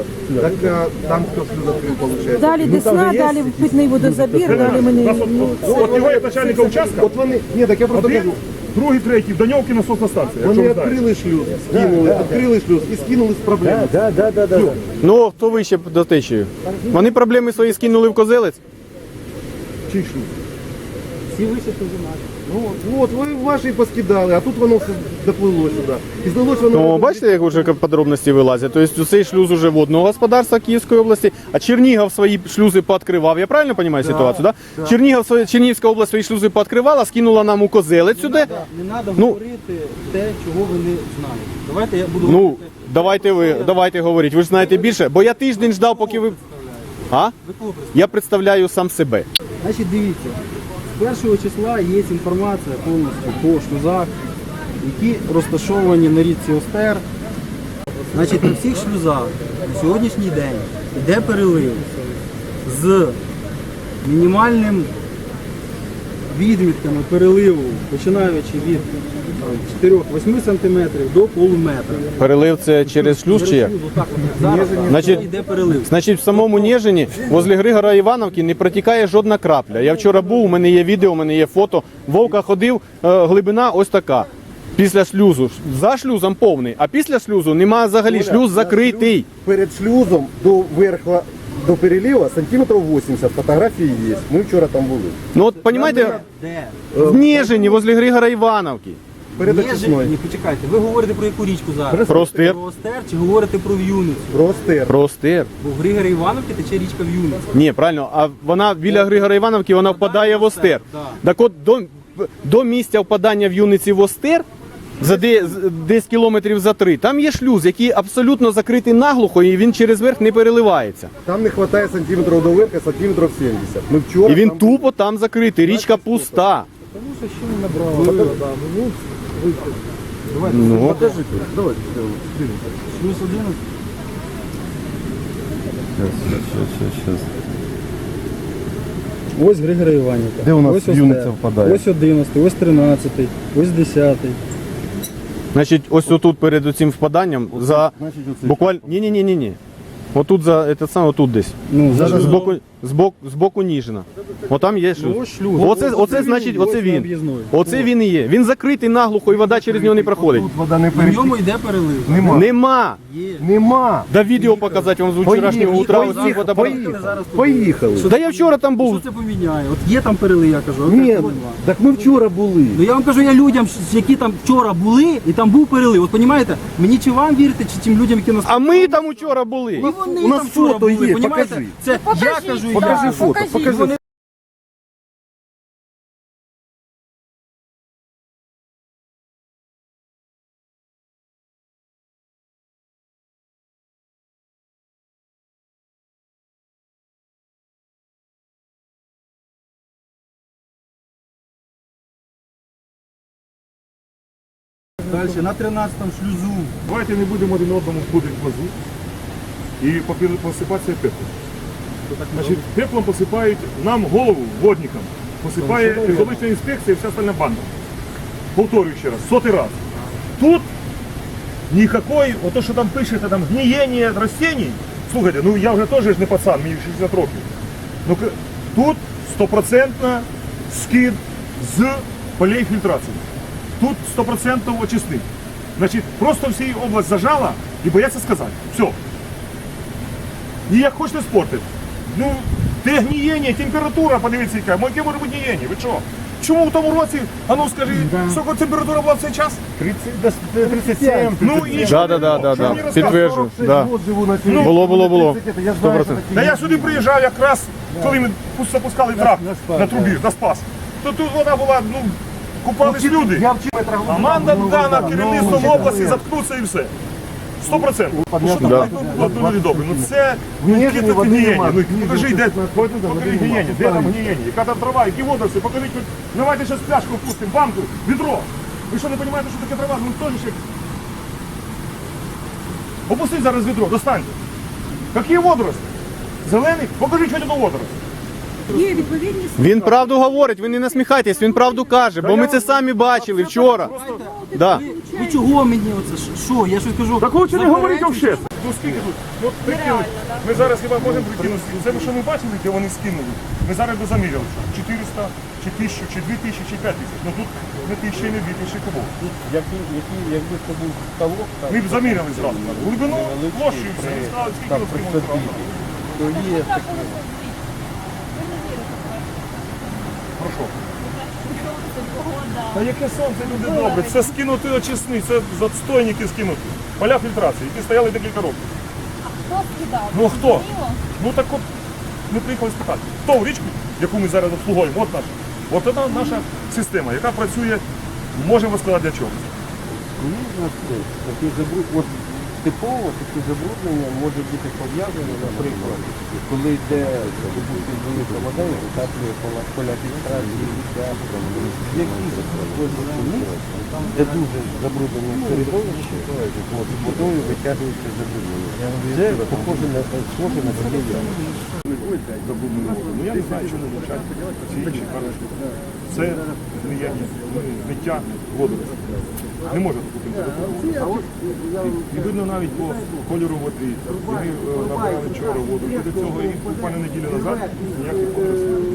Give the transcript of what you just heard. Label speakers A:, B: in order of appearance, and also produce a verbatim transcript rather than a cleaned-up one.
A: шлюза. Так а, там кто шлюз открыл, получается?
B: Далі Десна, далі питний водозабір, далі мені... Ну,
C: От його як начальника участка,
A: От вони, ні, так я просто
C: один,
A: кажу,
C: другий, третій, Даньовки насосна станція.
A: вони
C: якщо ви знаєте.
A: відкрили шлюз, скинули, відкрили шлюз і скинули з проблеми.
D: Да, да, да, да, да.
E: Ну, хто вище до течії? Вони проблеми свої скинули в Козелець?
A: Чий шлюз?
D: Всі вище наші.
A: Ну, от, ви ваші поскидали, а тут воно все доплило сюди. І здалося воно...
E: Ну, бачите, як вже подробності вилазять? Тобто цей шлюз уже водного господарства Київської області, а Чернігів свої шлюзи пооткривав. Я правильно розумію ситуацію, да? Да. Чернігів, свої- Чернігівська область свої шлюзи пооткривала, скинула нам у Козелець сюди.
D: Не треба
E: Ну,
D: говорити те, чого ви не знаєте. Давайте я буду
E: Ну,
D: говорити.
E: давайте ви, давайте говоріть. Ви ж знаєте більше, бо я тиждень ждав, поки ви... А?
D: Ви кого представляєте?
E: Я представляю сам себе.
D: Значить, дивіться, з першого числа є інформація повністю по шлюзах, які розташовані на річці Остер. Значить, на всіх шлюзах на сьогоднішній день йде перелив з мінімальним відмітками переливу, починаючи від чотирьох-восьми сантиметрів до полуметра.
E: Перелив це через шлюз чи як?
D: Отак от, зараз
E: Значить,
D: йде перелив.
E: Значить, в самому Нежині, возле Григора Івановки, не протікає жодна крапля. Я вчора був, у мене є відео, у мене є фото. Вовка ходив, е, глибина ось така. Після шлюзу. За шлюзом повний, а після шлюзу немає взагалі, шлюз закритий.
A: Перед шлюзом до верха, до перелива сантиметрів вісімдесят, фотографії є. Ми вчора там були.
E: Ну от, розумієте,
D: Де?
E: в Нежині, возле Григора Івановки.
A: Перед
D: Ні,
A: очисною.
D: ні, почекайте, ви говорите про яку річку зараз?
E: Про Остер.
D: Про Остер чи говорите про В'юницю?
A: Просто
E: Про Остер.
D: Бо в Григорі Івановки тече річка В'юниця.
E: Ні, правильно, а вона біля Григора Івановки, вона впадає в Остер.
D: Да.
E: Так от до, до місця впадання в Юниці в Остер, за де, з- десь кілометрів за три, там є шлюз, який абсолютно закритий наглухо, і він через верх не переливається.
A: там не вистачає сантиметрів до верха, сантиметрів сімдесят. Ми вчора
E: І він
A: там
E: тупо там закритий, річка пуста. Ну,
A: Покажите, давайте.
D: Шлюз одинадцять. Ось Григорій Іванівка.
A: Де у нас
D: Ось
A: В'юниця
D: Остер.
A: впадає?
D: Ось одинадцятий, ось тринадцятий, ось десятий.
E: Значить, ось отут перед цим впаданням, за
A: значить, оцей.
E: буквально, ні-ні-ні-ні. Отут за, це саме отут десь.
D: Ну, зараз
E: З боку, з боку, з боку Ніжина. Отам є шлюз.
D: ось шлюз.
E: Оце,
D: Ось
E: оце
D: він,
E: значить,
D: ось
E: оце
D: на
E: він.
D: об'їзної.
E: Оце він і є. Він закритий наглухо, і вода через нього не проходить.
A: Тут вода не
D: На
A: перетікає.
D: ньому йде перелив.
A: Нема.
E: Нема.
D: Є.
A: Нема.
E: Да відео показати вам з вчорашнього утра. оці фотоапарати.
D: Поїхали зараз туди.
A: Поїхали.
E: Да я вчора там
D: Що
E: був.
D: це поміняє? От є там перелив, я кажу, от
A: Ні,
D: так нема.
A: так ми вчора були.
D: Ну я вам кажу, я людям, які там вчора були, і там був перелив. От розумієте, мені чи вам вірити, чи тим людям, які нас...
E: А ми там учора були.
D: І вони
A: у нас
D: там вчора
A: фото
D: були,
A: є,
D: понімаєте?
A: покажи.
D: Це я кажу, і
A: Покажи
D: я.
A: фото,
B: покажіть.
A: покажи.
D: Вони- Далі, на тринадцятому шлюзу.
C: Давайте не будемо один одному входити в глазу і попі- посипатися пеплом. Значить, пеплом посипають нам голову, водникам. Посипає екологічна інспекція і вся остальна банда. Повторюю ще раз, сотий раз. Тут ніякої, ото що там пишете, там гнієння растений. Слухайте, ну я вже теж ж не пацан, мені шістдесят років. Ну, к- тут стопроцентно скид з полей фільтрації. Тут сто процентів очисник. Значить, просто всі область зажала і бояться сказати. Все. Ніяк хочете спортити. Ну, те гнієння, температура, подивіться, яка. Яке може бути гнієння? Ви що? Чому в тому році, а ну скажи, скільки температура була в цей час?
A: тридцять сім.
C: Ну і що?
E: Да, да, да, да,
C: Що
E: да.
C: мені розказуєте?
E: Підтверджую. Да.
C: Ну,
E: Було, було, було.
A: Я
E: Сто
A: знаю,
E: процентів.
A: що
C: Та
A: такі-
C: я сюди приїжджав якраз, коли ми запускали трап на трубі, на Спас. То тут вода була, ну, купались люди.
A: Я в метрах.
C: Команда дана керівництвом області заткнуться і все. Сто процентів. Ну що там
E: Да.
C: ну, люди добрі? Ну це
A: Гнієння
C: яке це
A: води
C: гнієння.
A: нема.
C: Ну покажи, де
A: Води
C: покажи
A: нема.
C: гнієння, де там гнієння, яка там трава, які водоросли, покажіть, хоч- давайте зараз пляшку впустимо, банку, відро. Ви що не розумієте, що таке трава? Ну теж ще. Опустіть зараз відро, достаньте. Які водоросли? Зелений? Покажіть хоч одну водоросль.
B: Є відповідні
E: Він правду говорить, ви не насміхайтесь, він правду каже, бо ми це самі бачили вчора. Да.
D: Ви, ви чого мені оце? Що? Я щось кажу.
C: Так лучше не говоріть
D: заперечуйте,
C: взагалі. Ну скільки тут? Ну, от прикинуть. Ми зараз хіба можемо прикинути. Це ви що не бачили, де вони скинули? Ми зараз би заміряли. чотириста, чи тисячу, чи дві тисячі, чи п'ять тисяч. Ну тут не тисячі, не дві тисячі кубов.
F: Якби, які, якби це був ставок, там,
C: Ми б заміряли зразу. Глибину,
F: невеличкий
C: площу і все.
F: при-
C: І сказали, скільки
F: там,
C: от
F: при
C: скинули
F: собі,
C: зразу.
F: то є такі.
C: Прошу. Та яке сонце, люди добре, це скинути очисні, це застойники скинути. Поля фільтрації, які стояли декілька років.
G: Хто скидав?
C: Ну хто?
G: Зрозуміло?
C: Ну так от ми приїхали спитати. Хто в річку, яку ми зараз обслуговуємо, от наша. От це наша система, яка працює, можемо сказати для чого.
F: Звісно, це такі забруднення, от типово такі забруднення може бути пов'язані, наприклад, коли йде допустим, велика вода і затаплює поля, поля фільтрації, які знаходяться місць, де дуже забруднені середовище, от, водою витягується забруднення. Це похоже на схоже на таке явище.
C: Ну я не знаю, чому вивчать ці інші кажуть, що це зміяння, зміття воду. Не може бути. І видно навіть по кольору води. Ми е, набрали вчора воду. І до цього і буквально неділю назад ніяких водоростей.